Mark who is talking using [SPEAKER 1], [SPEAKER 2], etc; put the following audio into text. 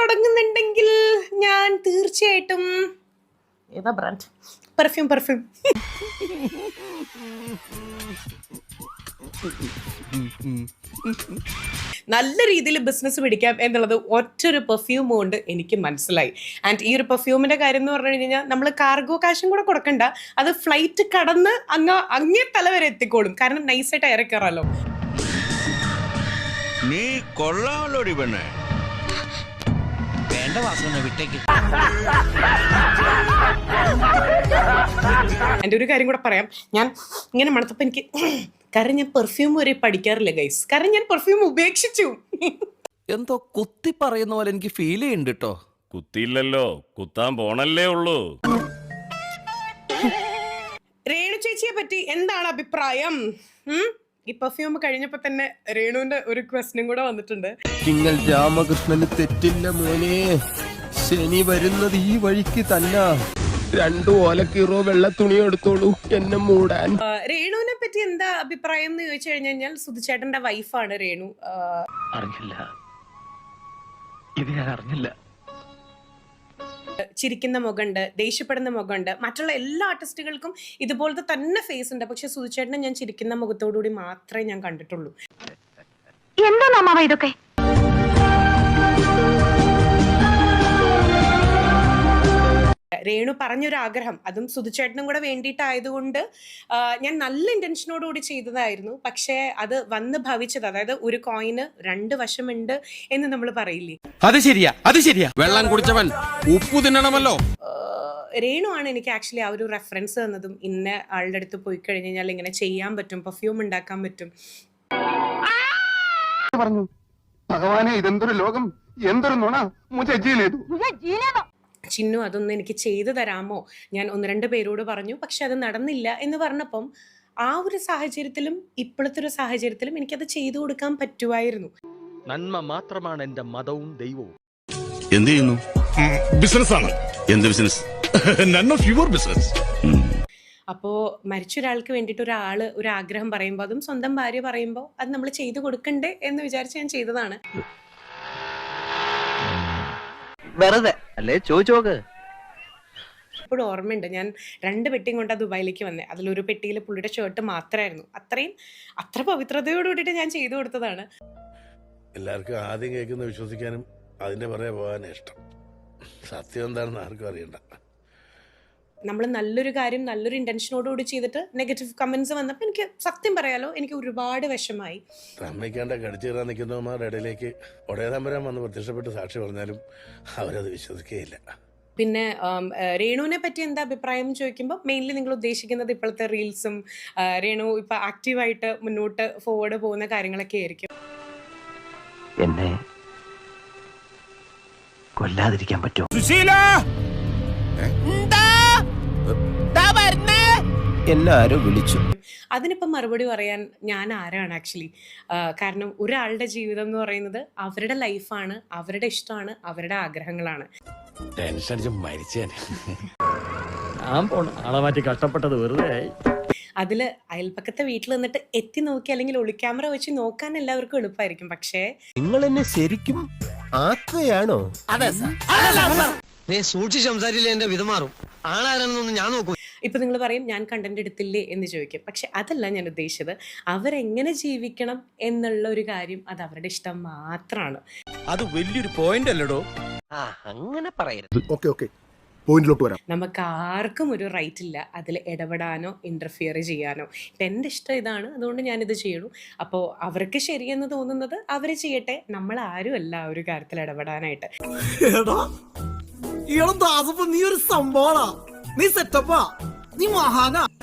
[SPEAKER 1] തുടങ്ങുന്നുണ്ടെങ്കിൽ ഞാൻ തീർച്ചയായിട്ടും ഏതാ ബ്രാൻഡ്? പെർഫ്യൂം. നല്ല രീതിയിൽ ബിസിനസ് പിടിക്കാം എന്നുള്ളത് ഒറ്റൊരു പെർഫ്യൂം കൊണ്ട് എനിക്ക് മനസ്സിലായി. ആൻഡ് ഈ ഒരു പെർഫ്യൂമിന്റെ കാര്യം എന്ന് പറഞ്ഞു കഴിഞ്ഞാൽ നമ്മൾ കാർഗോ കാശും കൂടെ കൊടുക്കണ്ട, അത് ഫ്ലൈറ്റ് കടന്ന് അങ്ങേ തല വരെ എത്തിക്കോളും. കാരണം നൈസായിട്ട് ഇറക്കാറല്ലോ.
[SPEAKER 2] നീ കൊള്ളാമല്ലോടി പെണ്ണേ.
[SPEAKER 1] എൻ്റെ ഒരു കാര്യം കൂടെ പറയാം. ഞാൻ ഇങ്ങനെ മണത്തപ്പോൾ എനിക്ക് കാരണം ഞാൻ പെർഫ്യൂം വരെ പഠിക്കാറില്ല ഗൈസ്. കാരണം ഞാൻ പെർഫ്യൂം ഉപേക്ഷിച്ചു.
[SPEAKER 3] എന്തോ കുത്തി പറയുന്ന പോലെ എനിക്ക് ഫീൽ ചെയ്യുന്നുണ്ട് കേട്ടോ.
[SPEAKER 4] കുത്തിയില്ലല്ലോ, കുത്താൻ പോണല്ലേ ഉള്ളൂ.
[SPEAKER 1] രേണു ചേച്ചിയെ പറ്റി എന്താണ് അഭിപ്രായം? ഈ പെർഫ്യൂം കഴിഞ്ഞപ്പോ തന്നെ രേണുവിന്റെ ഒരു ക്വസ്റ്റ്യനും കൂടെ വന്നിട്ടുണ്ട്.
[SPEAKER 5] നിങ്ങൾ രാമകൃഷ്ണന് തെറ്റില്ല മോനെ, ശനി വരുന്നത് ഈ വഴിക്ക് തന്നെ. 2 ഓലക്കീറോ വെള്ള തുണി എടുത്തോളൂ എന്നെ മൂടാൻ.
[SPEAKER 1] രേണുവിനെ പറ്റി എന്താ അഭിപ്രായം എന്ന് ചോദിച്ചു കഴിഞ്ഞാൽ, സുധിച്ചേട്ടന്റെ വൈഫാണ് രേണു.
[SPEAKER 5] അറിഞ്ഞില്ല.
[SPEAKER 1] ചിരിക്കുന്ന മുഖമുണ്ട്, ദേഷ്യപ്പെടുന്ന മുഖമുണ്ട്. മറ്റുള്ള എല്ലാ ആർട്ടിസ്റ്റുകൾക്കും ഇതുപോലത്തെ തന്നെ ഫേസ് ഉണ്ട്. പക്ഷെ സുധിച്ചേട്ടനെ ഞാൻ ചിരിക്കുന്ന മുഖത്തോടുകൂടി മാത്രമേ ഞാൻ കണ്ടിട്ടുള്ളൂ.
[SPEAKER 6] എന്താ ഇതൊക്കെ?
[SPEAKER 1] രേണു പറഞ്ഞൊരു ആഗ്രഹം, അതും സുധിച്ചേട്ടനും കൂടെ വേണ്ടിയിട്ടായതുകൊണ്ട് ഞാൻ നല്ല ഇന്റൻഷനോടുകൂടി ചെയ്തതായിരുന്നു. പക്ഷേ അത് വന്ന് ഭവിച്ചത്, അതായത് ഒരു കോയിന് 2 വശമുണ്ട് എന്ന് നമ്മൾ പറയില്ലേ,
[SPEAKER 5] അത് ശരിയാ. വെള്ളം കുടിച്ചവൻ ഉപ്പു തിന്നണമല്ലോ.
[SPEAKER 1] രേണു ആണ് എനിക്ക് ആക്ച്വലി ആ ഒരു റെഫറൻസ് തന്നതും. ഇന്ന ആളുടെ അടുത്ത് പോയി കഴിഞ്ഞാൽ ഇങ്ങനെ ചെയ്യാൻ പറ്റും, പെർഫ്യൂം ഉണ്ടാക്കാൻ പറ്റും.
[SPEAKER 7] പറഞ്ഞു ഭഗവാനെ, ഇതെന്തൊരു ലോകം, എന്തൊരു നുണ.
[SPEAKER 1] ചിന്നു അതൊന്നും എനിക്ക് ചെയ്തു തരാമോ? ഞാൻ 1-2 പേരോട് പറഞ്ഞു, പക്ഷെ അത് നടന്നില്ല എന്ന് പറഞ്ഞപ്പം ആ ഒരു സാഹചര്യത്തിലും ഇപ്പോഴത്തെ ഒരു സാഹചര്യത്തിലും എനിക്കത് ചെയ്തു കൊടുക്കാൻ പറ്റുമായിരുന്നു.
[SPEAKER 5] നന്മ മാത്രമാണ് എന്റെ മതവും ദൈവവും.
[SPEAKER 2] എന്ത് ചെയ്യുന്നു?
[SPEAKER 4] ബിസിനസ്സാണ്.
[SPEAKER 2] എന്ത് business?
[SPEAKER 4] None of your business.
[SPEAKER 1] അപ്പോൾ മരിച്ച ഒരാൾക്ക് വേണ്ടിയിട്ട് ഒരു ആഗ്രഹം പറയുമ്പോൾ, അതും സ്വന്തം ഭാര്യ പറയുമ്പോൾ, അത് നമ്മൾ ചെയ്തു കൊടുക്കണ്ടേ എന്ന് വിചാരിച്ച് ഞാൻ ചെയ്തതാണ്.
[SPEAKER 8] വെറുതെ അല്ലേ ചോദിച്ചോക്ക്.
[SPEAKER 1] ഇപ്പോഴും ഓർമ്മയുണ്ട്, ഞാൻ 2 പെട്ടിയും കൊണ്ടാ ദുബായിലേക്ക് വന്നത്. അതിലൊരു പെട്ടിയിൽ പുള്ളിയുടെ ഷർട്ട് മാത്രമായിരുന്നു. അത്ര പവിത്രതയോടുകൂടിയിട്ട് ഞാൻ ചെയ്തു കൊടുത്തതാണ്.
[SPEAKER 9] എല്ലാവർക്കും ആദ്യം കേൾക്കുന്ന വിശ്വസിക്കാനും അതിന്റെ പുറകെ പോകാനും ഇഷ്ടം. സത്യം എന്താണെന്ന് ആർക്കും അറിയണ്ട.
[SPEAKER 1] നമ്മൾ നല്ലൊരു കാര്യം നല്ലൊരു ഇന്റൻഷനോടുകൂടി ചെയ്തിട്ട് നെഗറ്റീവ് കമന്റ്സ് വന്നപ്പോൾ എനിക്ക് സത്യം പറയാലോ, എനിക്ക് ഒരുപാട് വിഷമായി.
[SPEAKER 9] അമ്മയ്ക്കാണ്ട കടിച്ചു കയറാൻ നിൽക്കുന്നവന്മാരുടെ ഇടയിലേക്ക് ഒടേതമ്പരാൻ വന്ന് പ്രത്യക്ഷപ്പെട്ട് സാക്ഷി പറഞ്ഞാലും അവരത് വിശ്വസിക്കുകയില്ല.
[SPEAKER 1] പിന്നെ രേണുവിനെ പറ്റി എന്താ അഭിപ്രായം ചോദിക്കുമ്പോൾ, മെയിൻലി നിങ്ങൾ ഉദ്ദേശിക്കുന്നത് ഇപ്പോഴത്തെ റീൽസും രേണു ഇപ്പൊ ആക്റ്റീവായിട്ട് മുന്നോട്ട് ഫോർവേഡ് പോകുന്ന കാര്യങ്ങളൊക്കെ ആയിരിക്കും.
[SPEAKER 8] എന്നെ കൊല്ലാതിരിക്കാൻ പറ്റുമോ?
[SPEAKER 5] എന്നെ ആരോ വിളിച്ചു.
[SPEAKER 1] അതിനിപ്പം മറുപടി പറയാൻ ഞാൻ ആരാണ് ആക്ച്വലി? കാരണം ഒരാളുടെ ജീവിതം എന്ന് പറയുന്നത് അവരുടെ ലൈഫാണ്, അവരുടെ ഇഷ്ടമാണ്, അവരുടെ ആഗ്രഹങ്ങളാണ്.
[SPEAKER 5] ടെൻഷൻ അടിച്ച് മരിച്ചേ. ഞാൻ ആളെ മാറ്റി കഷ്ടപ്പെട്ടത് വെറുതെ ആയി.
[SPEAKER 1] അതിൽ അയൽപ്പക്കത്തെ വീട്ടിൽ നിന്നിട്ട് എത്തി നോക്കി അല്ലെങ്കിൽ ഒളിക്യാമറ വെച്ച് നോക്കാൻ എല്ലാവർക്കും എളുപ്പമായിരിക്കും. പക്ഷേ
[SPEAKER 5] നിങ്ങൾ എന്നെ ശരിക്കും ആക്കുകയാണോ?
[SPEAKER 8] നീ സൂക്ഷിച്ച് സംസാരിച്ചില്ല എന്റെ വിധമാറും. ആളാരെന്നൊന്നും ഞാൻ നോക്കൂ.
[SPEAKER 1] ഇപ്പൊ നിങ്ങൾ പറയും ഞാൻ കണ്ടന്റ് എടുത്തില്ലേ എന്ന് ചോദിക്കും. പക്ഷെ അതല്ല ഞാൻ ഉദ്ദേശിച്ചത്. അവരെങ്ങനെ ജീവിക്കണം എന്നുള്ള ഒരു കാര്യം അത് അവരുടെ ഇഷ്ടം മാത്രമാണ്.
[SPEAKER 3] അത് വലിയൊരു പോയിന്റ് അല്ലടോ.
[SPEAKER 8] അങ്ങനെ പറയരുത്.
[SPEAKER 7] ഓക്കെ പോയിന്റിലോട്ട് വരാം.
[SPEAKER 1] നമുക്ക് ആർക്കും ഒരു റൈറ്റ് ഇല്ല അതിൽ ഇടപെടാനോ ഇന്റർഫിയർ ചെയ്യാനോ. ഇപ്പം എൻ്റെ ഇഷ്ടം ഇതാണ്, അതുകൊണ്ട് ഞാനിത് ചെയ്യണു. അപ്പോൾ അവർക്ക് ശരിയെന്ന് തോന്നുന്നത് അവർ ചെയ്യട്ടെ. നമ്മൾ ആരും അല്ല ഒരു കാര്യത്തിൽ ഇടപെടാനായിട്ട്.
[SPEAKER 10] നീ ഒരു സംഭവമാ, നീ സെറ്റപ്പാ, നീ മഹാനാ.